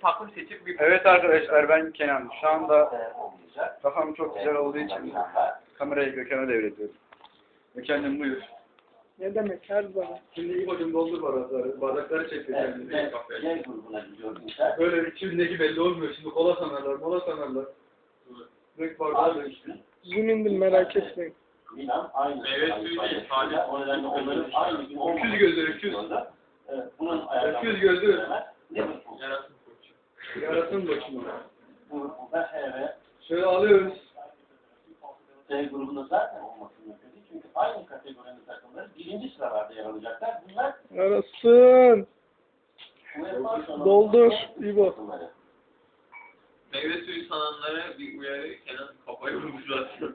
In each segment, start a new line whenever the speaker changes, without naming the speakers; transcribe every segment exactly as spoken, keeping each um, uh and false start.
takım seçip bir...
Evet arkadaşlar, ben Kenan. Şu anda kafam çok güzel olduğu için kamerayı Gökhan'a devrediyorum. Gökhan'cığım buyur.
Ne demek her zaman.
Şimdi ilk hocam doldur bardakları. Bardakları çek Gökhan'cığım.
C grubuna gidiyorum.
Böyle içindeki belli olmuyor. Şimdi kola sanarlar, mola sanarlar. Direkt bardağı da işte.
Zoom indim, merak etmeyin.
Milan aynı.
Meyve suyu değil, sadece.
O nedenle onların aynı gün olmaması.
Öküz gözü, öküz.
Evet, bunun
Öküz gözü.
Liverpool.
Yarasın koçu.
Yarasın başıma.
Liverpool'da H ve
Şöyle alıyoruz.
C grubunda zaten olması mümkün değil. Çünkü aynı kategorinin takımları birinci sıralarda yer alacaklar. Bunlar
Arasın.
UEFA
Doldur, İbo.
takımları.
Meyve suyu sananlara bir uyarı, Kenan kafayı vurmuş zaten.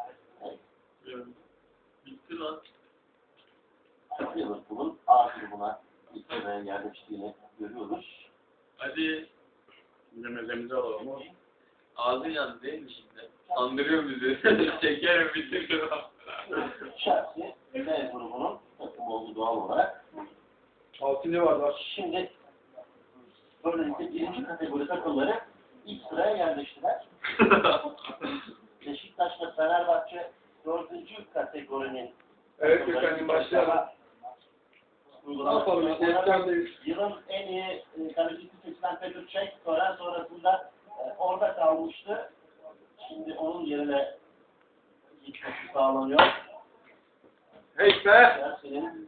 Bitti lan.
Liverpool'un A grubuna ilk sıraya yerleştiğini görüyoruz.
Hadi. Dinlemezlerimizi alalım. Ağzın yandı değil mi şimdi? Andırıyor bizi. Şekerim bitiriyor.
Chelsea B grubunun takımı oldu doğal olarak.
Altıncı bardak.
Şimdi böylelikle birinci kategori takımları ilk sıraya yerleştiler. Beşiktaş ve Fenerbahçe dördüncü kategorinin
Evet Gökhan'cığım, başlayalım. Ne yapalım işte, efkarlıyız.
Yılın en iyi e, kalecisi seçilen Petr Cech tören sonrasında e, orada kalmıştı. Şimdi onun yerine gitmesi sağlanıyor.
Hey be!
Chelsea'nin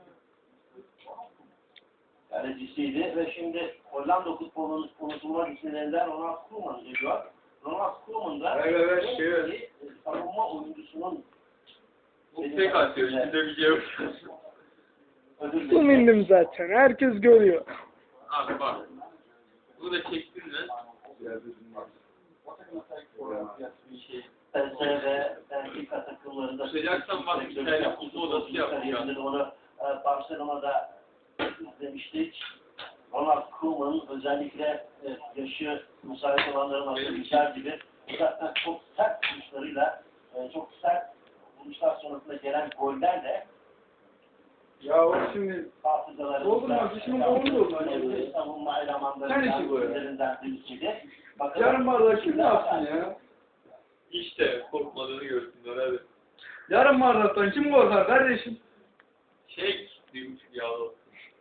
kalecisiydi ve şimdi Hollanda futbolunun unutulmaz isimlerinden Ronald Koeman geliyor. Ronald Koeman da
Evet, evet,
en
şey, evet.
iyi savunma oyuncusunun
Bu tek atıyor. Şimdi bir şey yok.
ödül
Zoom indim zaten. Herkes görüyor.
Abi bak. Bunu da çektin lan. Bir şey.
P S V ve Benfica takımlarında
Sıcaksan bak, bir tane kutu odası yapacağım.
kariyerinde onu e, Barcelona'da izlemiştik. Ronald Koeman'ın özellikle e, yaşı müsait olanların atabileceği gibi uzaktan çok sert vuruşlarıyla, e, çok sert vuruşlar sonrasında gelen gollerle
Ya o şimdi
hafızalarımızda
doldurmaz, işimin doldurur lan.
e, savunma
Sen
elemanlarından
işi bu ya.
üzerinden birisiydi.
yarım bardak kim ne yapsın ya?
İşte korkmadığını görsünler hadi.
Yarım bardaktan kim korkar kardeşim?
Çek. Bir buçuk yağlı.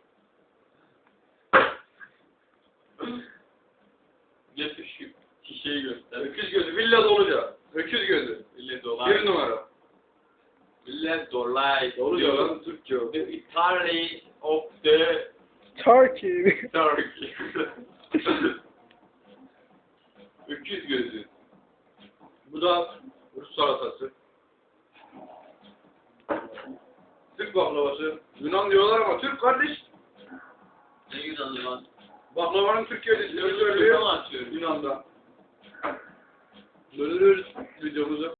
Getir şu şişeyi göster.
Öküz gözü, villa doluca. Öküz gözü.
Millet dolar.
Bir numara.
Millet dolar.
Doluca lan, Türkçe o.
The Italy of the
Turkey.
Turkey. Öküz gözü.
Bu da Rus salatası. Türk baklavası. Yunan diyorlar ama Türk kardeş.
Ne Yunanlı lan?
Baklavanın Türkiye'de
Yunanlı
söylüyor.
mı atıyor?
Yunan'da. Bölürüz videomuzu.